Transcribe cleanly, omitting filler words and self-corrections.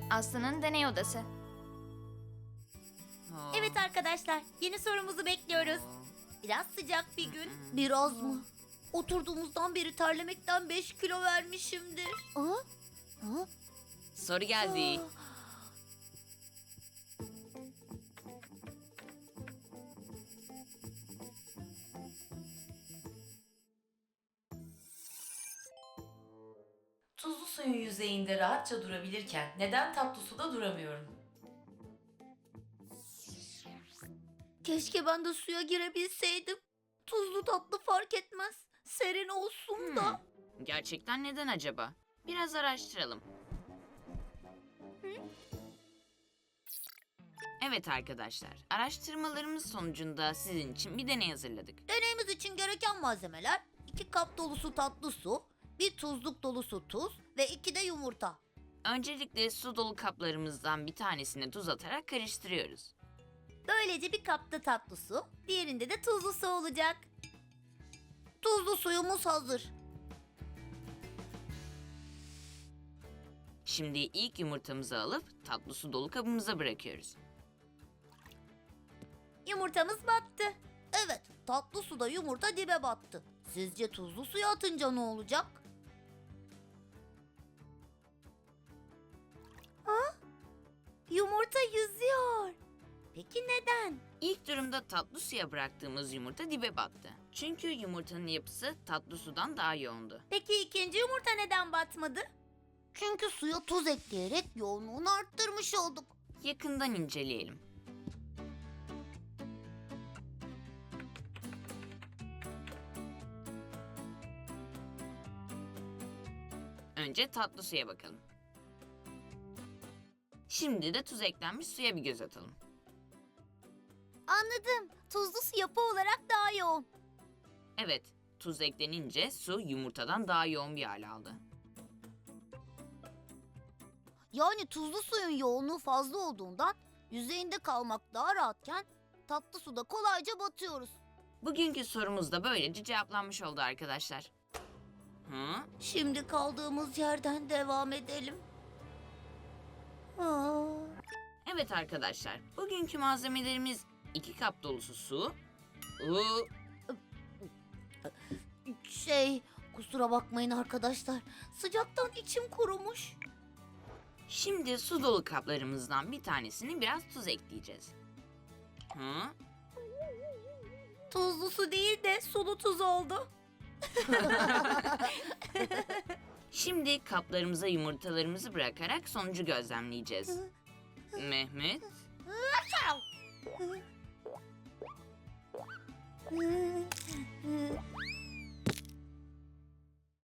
Aslı'nın deney odası. Evet arkadaşlar, yeni sorumuzu bekliyoruz. Biraz sıcak bir gün. Biraz mı? Oturduğumuzdan beri terlemekten 5 kilo vermişimdir. Soru geldi. Tuzlu suyun yüzeyinde rahatça durabilirken neden tatlı suda duramıyorum? Keşke ben de suya girebilseydim. Tuzlu tatlı fark etmez. Serin olsun da. Gerçekten neden acaba? Biraz araştıralım. Evet arkadaşlar, araştırmalarımız sonucunda sizin için bir deney hazırladık. Deneyimiz için gereken malzemeler 2 kap dolusu tatlı su, 1 tuzluk dolusu tuz ve 2 de yumurta. Öncelikle su dolu kaplarımızdan bir tanesine tuz atarak karıştırıyoruz. Böylece bir kapta tatlı su, diğerinde de tuzlu su olacak. Tuzlu suyumuz hazır. Şimdi ilk yumurtamızı alıp tatlı su dolu kabımıza bırakıyoruz. Yumurtamız battı. Evet, tatlı suda yumurta dibe battı. Sizce tuzlu suya atınca ne olacak? Ha? Yumurta yüzüyor. Peki neden? İlk durumda tatlı suya bıraktığımız yumurta dibe battı. Çünkü yumurtanın yapısı tatlı sudan daha yoğundu. Peki ikinci yumurta neden batmadı? Çünkü suya tuz ekleyerek yoğunluğunu arttırmış olduk. Yakından inceleyelim. Önce tatlı suya bakalım. Şimdi de tuz eklenmiş suya bir göz atalım. Anladım. Tuzlu su yapı olarak daha yoğun. Evet, tuz eklenince su yumurtadan daha yoğun bir hal aldı. Yani tuzlu suyun yoğunluğu fazla olduğundan yüzeyinde kalmak daha rahatken tatlı suda kolayca batıyoruz. Bugünkü sorumuz da böylece cevaplanmış oldu arkadaşlar. Şimdi kaldığımız yerden devam edelim. Aa, Evet arkadaşlar, bugünkü malzemelerimiz 2 kap dolusu su, kusura bakmayın arkadaşlar. Sıcaktan içim kurumuş. Şimdi su dolu kaplarımızdan bir tanesini biraz tuz ekleyeceğiz. Tuzlu su değil de sulu tuz oldu. Şimdi kaplarımıza yumurtalarımızı bırakarak sonucu gözlemleyeceğiz. Mehmet,